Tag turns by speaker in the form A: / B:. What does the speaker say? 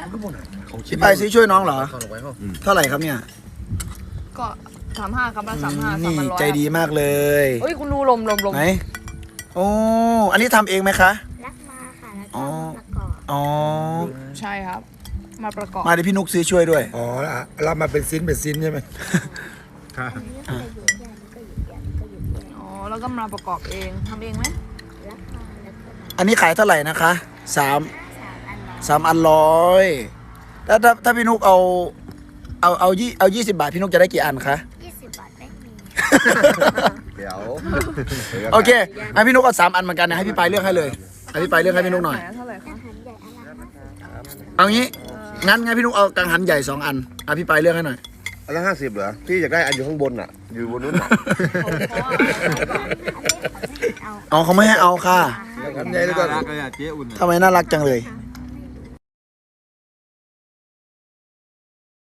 A: พี่ไปซื้อช่วยน้องเหรอเท่าไหร่ครับเนี่ย
B: ก็35ครับละ35
A: นี่
B: 300
A: ใจดีมากเลย
B: เฮ้ยคุณดูลม
A: ไหนโอ้อันนี้ทำเองไหมคะ
C: รับมาค่ะแล้วก็มาประกอบ
A: อ๋อ
B: ใช่ครับ มาประกอบ
A: มาเดี๋ยวพี่นุกซื้อช่วยด้วย
D: อ๋อรับมาเป็นซิ้นใช่ไหม
C: อันนี้ก็อยู่ใหญ่ก็อยู่ใหญ่ก็อยู่ใหญ่
B: อ๋อแล้วก็มาประกอบเองทำเองไหม
C: รับมาแล้วก็มา
A: อันนี้ขายเท่าไหร่นะคะสาม
C: 3 อันร้อย
A: 3 อัน100แล้วถ้าพี่นุกเอา20 บาทพี่นุกจะได้กี่อันคะ
C: 20 บาทไม่มี
E: เดี๋ยว
A: โอเคให้พี่นุกเอา3 อันเหมือนกันนะให้พี่ไปเลือกให้เลยให้พี่ไปเลือกให้พี่นุกหน่อย
B: เท่าไหร่
C: อา
B: คะ
C: หารใหญ่อันละ50
A: เอางี้งั้นพี่นุกเอากังหันใหญ่2 อันเอาพี่ไปเลือกให้หน่อย
E: อันละ50เหรอพี่อยากได้อันอยู่ข้างบนอ่ะ อยู่บนนู้นอ่ะ
A: อ๋อเขาไม่ให้เอาค่ะ
E: อันใหญ่แล้วก็
A: ทำไมน่ารักจังเลย
C: 3